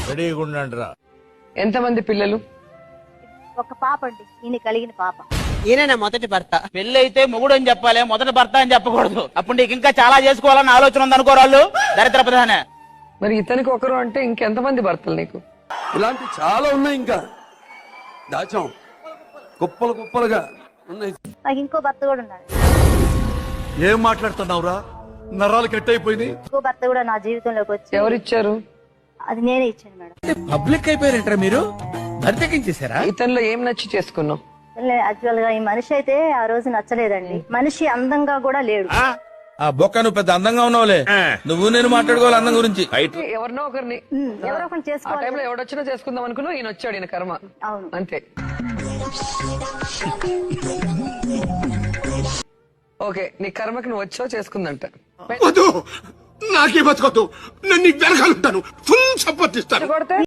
రెడీగా ఉండండిరా. ఎంతమంది పిల్లలు? ఒక పాప అండి, ఈయన కలిగిన పాప. ఈయన మొదటి భర్త. పెళ్లి అయితే మొగుడు అని చెప్పాలి, మొదటి భర్త అని చెప్పకూడదు. అప్పుడు నీకు ఇంకా చాలా చేసుకోవాలని ఆలోచన ఉంది అనుకోరాళ్ళు. దరిద్ర ప్రధానే. మరి ఇతనికి ఒకరు అంటే ఇంకెంతమంది భర్తలు నీకు? ఇలాంటి చాలా ఉన్నాయి, ఇంకా దాచాం కుప్పలు కుప్పలుగా ఉన్నాయి. నాకు ఇంకో భర్త కూడా ఉన్నాడు. ఏం మాట్లాడుతున్నావురా? నరాలు కట్ అయిపోయింది. ఇంకో భర్త కూడా నా జీవితంలోకి వచ్చి. ఎవరిచ్చారు? అది నేనే ఇచ్చాను మేడం. పబ్లిక్ అయిపోయారంటారా మీరు? బరితెక్కించేశారా? ఇతనిలో ఏం నచ్చి చేసుకున్నావు? యాక్చువల్ గా ఈ మనిషి అయితే ఆ రోజు నచ్చలేదండి. మనిషి అందంగా కూడా లేడు. ఆ బొక్క నువ్వు పెద్ద అందంగా ఉన్నావులే. నువ్వు నేను మాట్లాడుకోవాలి అందం గురించి. ఎవరినో ఒకరిని ఎవరో ఒకరిని ఆ చేసుకోవాలి. టైంలో ఎవడొచ్చినా చేసుకుందాం అనుకున్నావు, ఈయన వచ్చాడు, ఈయన కర్మ. అవును. అంతే. ఓకే, నీ కర్మకి నువ్వు వచ్చావు, చేసుకుందంట. వద్దు, నాకే బతకొద్దు. నేను నీకు వెనకాలంటాను, ఫుల్ సపోర్ట్ ఇస్తాను. కొడితే